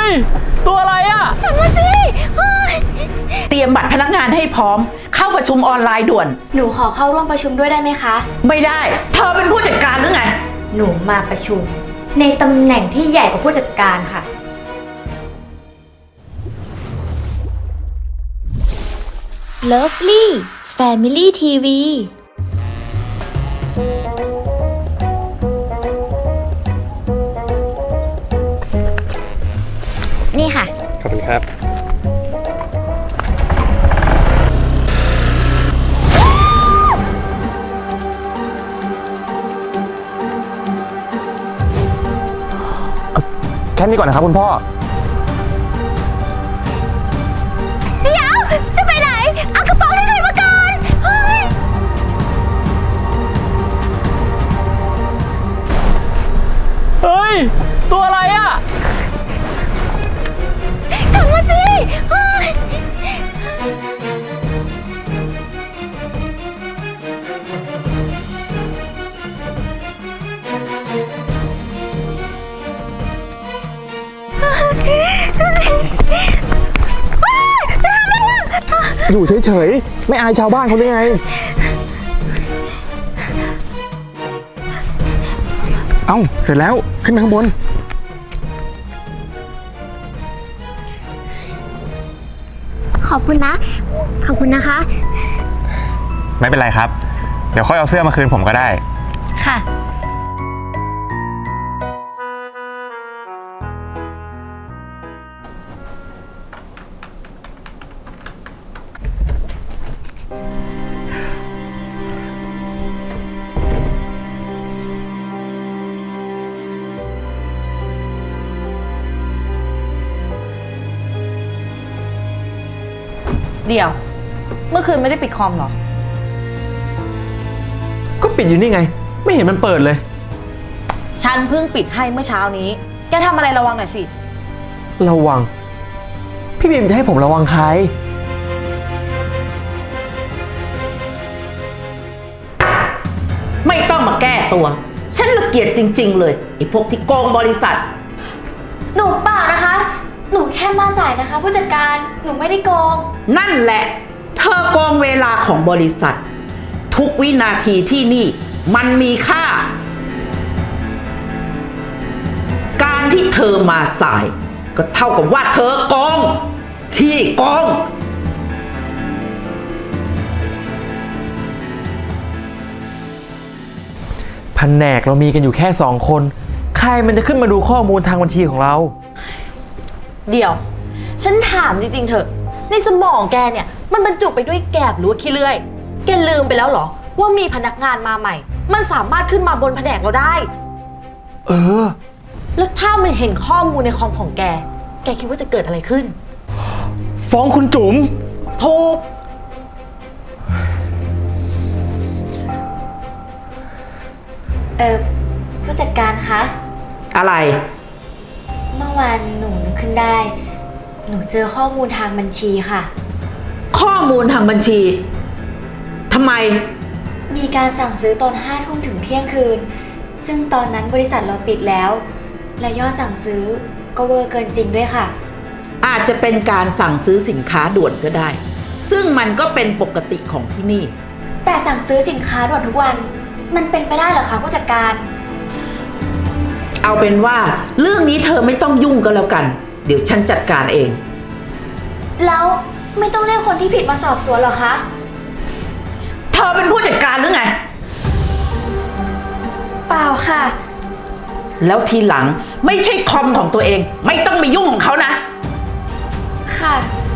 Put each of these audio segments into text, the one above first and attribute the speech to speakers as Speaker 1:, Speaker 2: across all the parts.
Speaker 1: ยตัวอะไรอ่ะ
Speaker 2: กลับมาสิ
Speaker 3: เตรียมบัตรพนักงานให้พร้อมเข้าประชุมออนไลน์ด่วน
Speaker 2: หนูขอเข้าร่วมประชุมด้วยได้ไหมคะ
Speaker 3: ไม่ได้เธอเป็นผู้จัดการหรือไง
Speaker 2: หนูมาประชุมในตำแหน่งที่ใหญ่กว่าผู้จัดการค่ะ Lovely Family TV นี่ค่ะ
Speaker 4: ขอบคุณครับแค่นี้ก่อนนะครับคุณพ่อ
Speaker 2: เดี๋ยวจะไปไหนเอากระเป๋าที่ไหนมาก่อนเฮ้ย
Speaker 1: ตัวอะไรอ่ะ
Speaker 2: กลับมาสิ
Speaker 4: อยู่เฉยๆไม่อายชาวบ้านเขาได้ไงเอ้าเสร็จแล้วขึ้นไปข้างบน
Speaker 2: ขอบคุณนะขอบคุณนะคะ
Speaker 4: ไม่เป็นไรครับเดี๋ยวค่อยเอาเสื้อมาคืนผมก็ได้
Speaker 2: ค่ะ
Speaker 5: เดี๋ยวเมื่อคืนไม่ได้ปิดคอมหรอ
Speaker 1: ก็ปิดอยู่นี่ไงไม่เห็นมันเปิดเลย
Speaker 5: ฉันเพิ่งปิดให้เมื่อเช้านี้แกทำอะไรระวังหน่อยสิ
Speaker 1: ระวังพี่บีมจะให้ผมระวังใคร
Speaker 3: ไม่ต้องมาแก้ตัวฉันรังเกียจจริงๆเลยไอ้พวกที่โกงบริษัท
Speaker 2: หนูเปล่านะคะหนูแค่มาสายนะคะผู้จัดการหนูไม่ได้โกง
Speaker 3: นั่นแหละเธอโกงเวลาของบริษัททุกวินาทีที่นี่มันมีค่าการที่เธอมาสายก็เท่ากับว่าเธอโกงขี้โกง
Speaker 1: แผนกเรามีกันอยู่แค่2 คนใครมันจะขึ้นมาดูข้อมูลทางบัญชีของเรา
Speaker 5: เดี๋ยวฉันถามจริงๆเถอะในสมองแกเนี่ยมันบรรจุไปด้วยแกบหรือว่าขี้เลื่อยแกลืมไปแล้วเหรอว่ามีพนักงานมาใหม่มันสามารถขึ้นมาบนแผนกเราได้แล้วถ้ามันเห็นข้อมูลในคอมของแกคิดว่าจะเกิดอะไรขึ้น
Speaker 1: ฟ้องคุณจุ๋ม
Speaker 5: ถูก
Speaker 2: ผู้จัดการคะ
Speaker 3: อะไร
Speaker 2: เมื่อวานหนูนึกขึ้นได้หนูเจอข้อมูลทางบัญชีค่ะ
Speaker 3: ข้อมูลทางบัญชีทำไม
Speaker 2: มีการสั่งซื้อตอน5 ทุ่มถึงเที่ยงคืนซึ่งตอนนั้นบริษัทเราปิดแล้วและยอดสั่งซื้อก็เวอร์เกินจริงด้วยค่ะ
Speaker 3: อาจจะเป็นการสั่งซื้อสินค้าด่วนก็ได้ซึ่งมันก็เป็นปกติของที่นี่
Speaker 2: แต่สั่งซื้อสินค้าด่วนทุกวันมันเป็นไปได้เหรอคะผู้จัดการ
Speaker 3: เอาเป็นว่าเรื่องนี้เธอไม่ต้องยุ่งก็แล้วกันเดี๋ยวฉันจัดการเอง
Speaker 2: แล้วไม่ต้องเรียกคนที่ผิดมาสอบสวนหรอคะ
Speaker 3: เธอเป็นผู้จัดการหรือไง
Speaker 2: เปล่าค่ะ
Speaker 3: แล้วทีหลังไม่ใช่คอมของตัวเองไม่ต้องไปยุ่งของเขานะ
Speaker 2: ค่ะ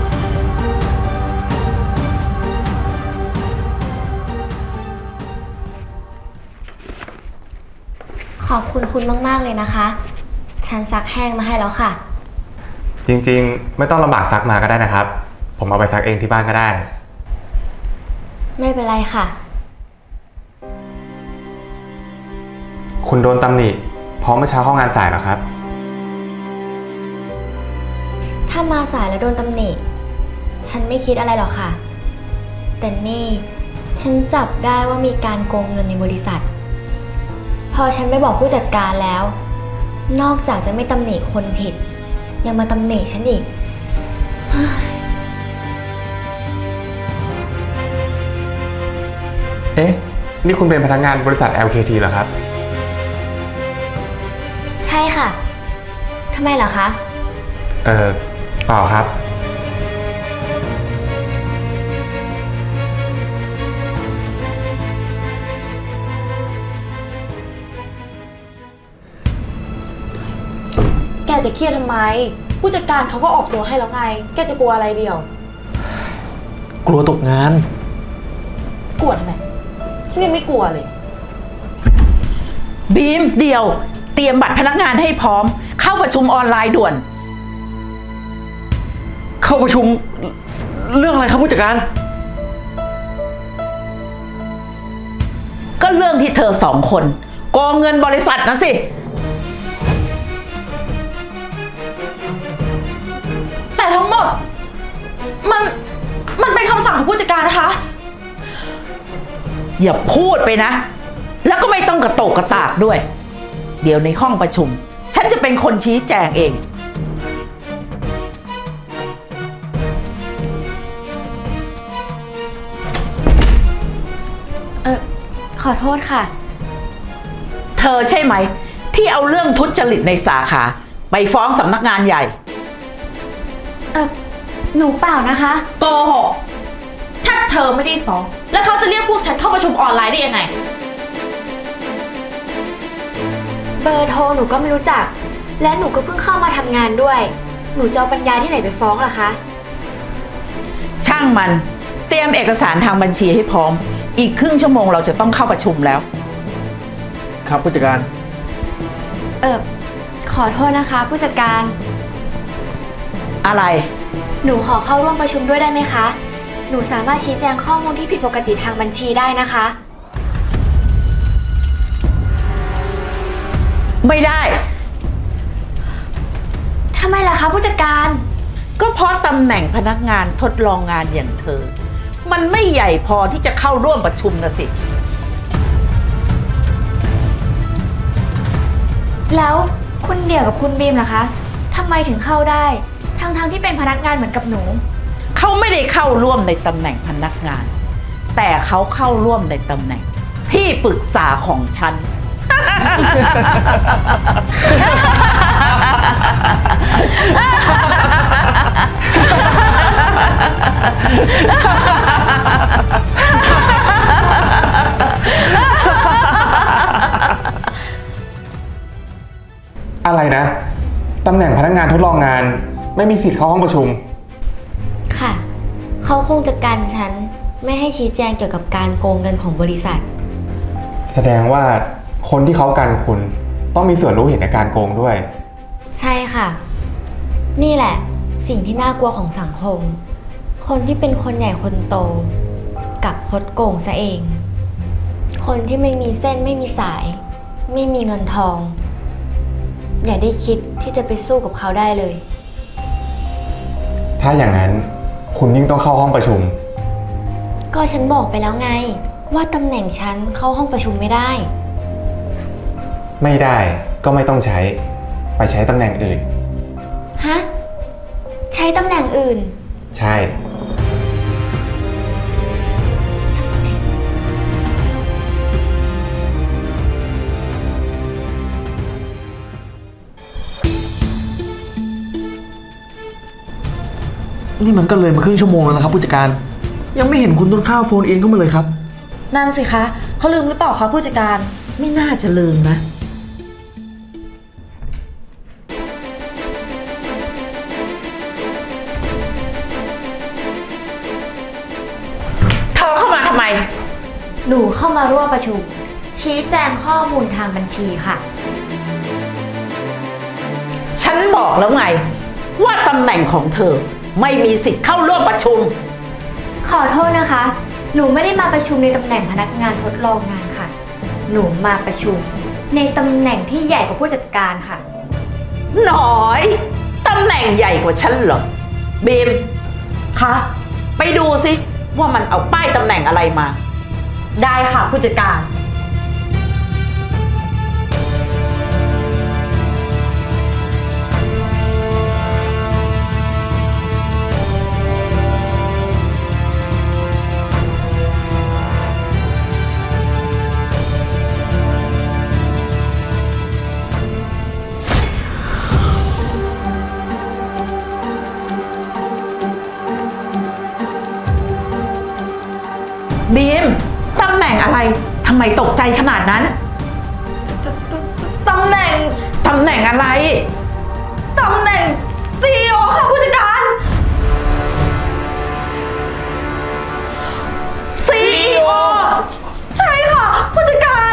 Speaker 2: ขอบคุณคุณมากๆเลยนะคะฉันซักแห้งมาให้แล้วค่ะ
Speaker 4: จริงๆไม่ต้องลำบากซักมาก็ได้นะครับผมเอาไปซักเองที่บ้านก็ได้
Speaker 2: ไม่เป็นไรค่ะ
Speaker 4: คุณโดนตำหนิเพราะเมื่อเช้าเข้างานสายเหรอครับ
Speaker 2: ถ้ามาสายแล้วโดนตำหนิฉันไม่คิดอะไรหรอกค่ะแต่นี่ฉันจับได้ว่ามีการโกงเงินในบริษัทพอฉันไปบอกผู้จัดการแล้วนอกจากจะไม่ตำหนิคนผิดยังมาตำหนิฉันอีก
Speaker 4: เอ๊ะ นี่คุณเป็นพนักงานบริษัท LKT เหรอครับ
Speaker 2: ใช่ค่ะ ทำไมล่ะคะ
Speaker 4: เปล่าครับ
Speaker 5: แกจะเครียดทำไม ผู้จัดการเขาก็ออกตัวให้แล้วไง แกจะกลัวอะไรเดียว
Speaker 1: กลัวตกงาน
Speaker 5: กลัวทำไม ฉันยังไม่กลัวเลย
Speaker 3: บีมเดียว เตรียมบัตรพนักงานให้พร้อม เข้าประชุมออนไลน์ด่วน
Speaker 1: เข้าประชุมเรื่องอะไรครับผู้จัดการ
Speaker 3: ก็เรื่องที่เธอ2 คนโกงเงินบริษัทนะสิ
Speaker 5: แต่ทั้งหมด มันเป็นคำสั่งของผู้จัดการนะคะ
Speaker 3: อย่าพูดไปนะ แล้วก็ไม่ต้องกระโตกกระตากด้วย เดี๋ยวในห้องประชุม ฉันจะเป็นคนชี้แจงเอง
Speaker 2: ขอโทษค่ะ
Speaker 3: เธอใช่ไหม ที่เอาเรื่องทุจริตในสาขา ไปฟ้องสำนักงานใหญ่
Speaker 2: หนูเปล่านะคะ
Speaker 5: โกหก ถ้าเธอไม่ได้ฟ้อง แล้วเขาจะเรียกพวกฉันเข้าประชุมออนไลน์ได้ยังไง
Speaker 2: เบอร์โทรหนูก็ไม่รู้จัก และหนูก็เพิ่งเข้ามาทำงานด้วย หนูจะเอาปัญญาที่ไหนไปฟ้องล่ะคะ
Speaker 3: ช่างมัน เตรียมเอกสารทางบัญชีให้พร้อม อีกครึ่งชั่วโมงเราจะต้องเข้าประชุมแล้ว
Speaker 1: ครับผู้จัดการ
Speaker 2: ขอโทษนะคะ ผู้จัดการ
Speaker 3: อะไร
Speaker 2: หนูขอเข้าร่วมประชุมด้วยได้ไหมคะ หนูสามารถชี้แจงข้อมูลที่ผิดปกติทางบัญชีได้นะคะ
Speaker 3: ไม่ได้
Speaker 2: ทำไมล่ะคะผู้จัดการ
Speaker 3: ก็เพราะตำแหน่งพนักงานทดลองงานอย่างเธอ มันไม่ใหญ่พอที่จะเข้าร่วมประชุมนะสิ
Speaker 2: แล้วคุณเดี่ยวกับคุณบีมล่ะคะทำไมถึงเข้าได้ ทั้งที่เป็นพนักงานเหมือนกับหนู
Speaker 3: เขาไม่ได้เข้าร่วมในตำแหน่งพนักงาน แต่เขาเข้าร่วมในตำแหน่งที่ปรึกษาของฉัน
Speaker 4: อะไรนะ ตำแหน่งพนักงานทดลองงาน ไม่มีสิทธิ์เข้าห้องประชุม
Speaker 2: ค่ะ เขาคงจะกันฉันไม่ให้ชี้แจงเกี่ยวกับการโกงเงินของบริษัท
Speaker 4: แสดงว่าคนที่เขากันคุณต้องมีส่วนรู้เห็นในการโกงด้วย
Speaker 2: ใช่ค่ะ นี่แหละ สิ่งที่น่ากลัวของสังคม คนที่เป็นคนใหญ่คนโตกับคดโกงซะเอง คนที่ไม่มีเส้นไม่มีสาย ไม่มีเงินทอง อย่าได้คิดที่จะไปสู้กับเขาได้เลย
Speaker 4: ถ้าอย่างนั้นคุณยิ่งต้องเข้าห้องประชุม
Speaker 2: ก็ฉันบอกไปแล้วไง ว่าตำแหน่งฉันเข้าห้องประชุมไม่ได้
Speaker 4: ไม่ได้ก็ไม่ต้องใช้ ไปใช้ตำแหน่งอื่น
Speaker 2: ฮะ ใช้ตำแหน่งอื่น
Speaker 4: ใช่
Speaker 1: นี่มันก็เลยมาครึ่งชั่วโมงแล้วนะครับผู้จัดการ ยังไม่เห็นคุณต้นข้าวโฟนอินเข้ามาเลยครับ
Speaker 5: นั่นสิคะ เขาลืมหรือเปล่าคะผู้จัดการ
Speaker 3: ไม่น่าจะลืมนะ เธอเข้ามาทำไม
Speaker 2: หนูเข้ามาร่วมประชุม ชี้แจงข้อมูลทางบัญชีค่ะ
Speaker 3: ฉันบอกแล้วไง ว่าตำแหน่งของเธอไม่มีสิทธิ์เข้าร่วมประชุม
Speaker 2: ขอโทษนะคะ หนูไม่ได้มาประชุมในตำแหน่งพนักงานทดลองงานค่ะ หนูมาประชุมในตำแหน่งที่ใหญ่กว่าผู้จัดการค่ะ
Speaker 3: หน่อย ตำแหน่งใหญ่กว่าฉันเหรอบีม
Speaker 5: คะ
Speaker 3: ไปดูสิว่ามันเอาป้ายตำแหน่งอะไรมา
Speaker 5: ได้ค่ะผู้จัดการ
Speaker 2: พ
Speaker 3: บีมตำแหน่งอะไรทำไมตกใจขนาดนั้น
Speaker 5: ตำแหน่ง
Speaker 3: ตำแหน่งอะไร
Speaker 5: ตำแหน่ง CEO ค่ะผู้จัดการ
Speaker 3: CEO
Speaker 5: ใช่ค่ะผู้จัดการ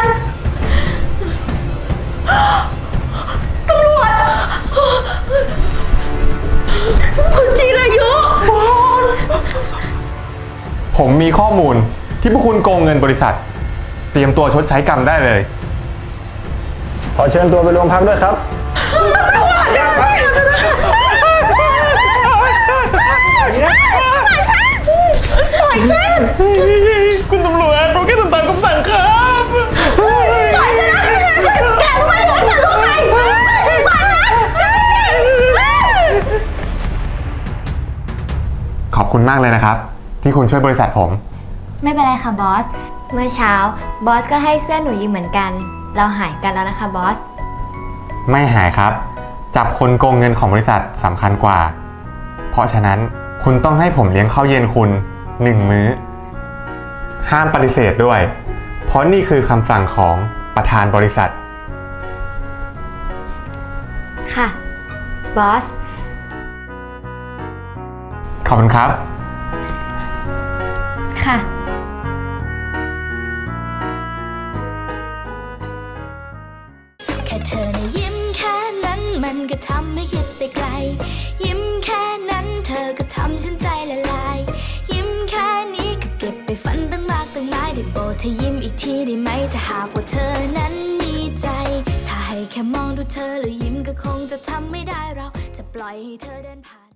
Speaker 5: ตำรวจคุณจีรายุบอส
Speaker 4: ผมมีข้อมูลที่พวกคุณโกงเงินบริษัท เตรียมตัวชดใช้กรรมได้เลย
Speaker 6: ขอเชิญตัวไปโรงพักด้วยครับ
Speaker 1: คุณตำรวจผมแค่ทำตามคำสั่งครับ
Speaker 4: ขอบคุณมากเลยนะครับ ที่คุณช่วยบริษัทผม
Speaker 2: ไม่เป็นไรค่ะบอส เมื่อเช้าบอสก็ให้เสื้อหนูยืมเหมือนกัน เราหายกันแล้วนะคะบอส
Speaker 4: ไม่หายครับ จับคนโกงเงินของบริษัทสำคัญกว่า เพราะฉะนั้นคุณต้องให้ผมเลี้ยงข้าวเย็นคุณ1 มื้อ ห้ามปฏิเสธด้วย เพราะนี่คือคำสั่งของประธานบริษัท
Speaker 2: ค่ะ บอส
Speaker 4: ขอบคุณครับ
Speaker 2: ค่ะ
Speaker 7: แค่เธอนะยิ้มแค่นั้นมันก็ทำให้คิดไปไกล ยิ้มแค่นั้นเธอก็ทำฉันใจละลาย ยิ้มแค่นี้ก็เก็บไปฝันตั้งมากตั้งหลายได้โปรดเธอยิ้มอีกทีได้ไหมถ้าหากว่าเธอนั้นมีใจ ถ้าให้แค่มองดูเธอแล้วยิ้มก็คงจะทำไม่ได้เราจะปล่อยให้เธอเดินผ่าน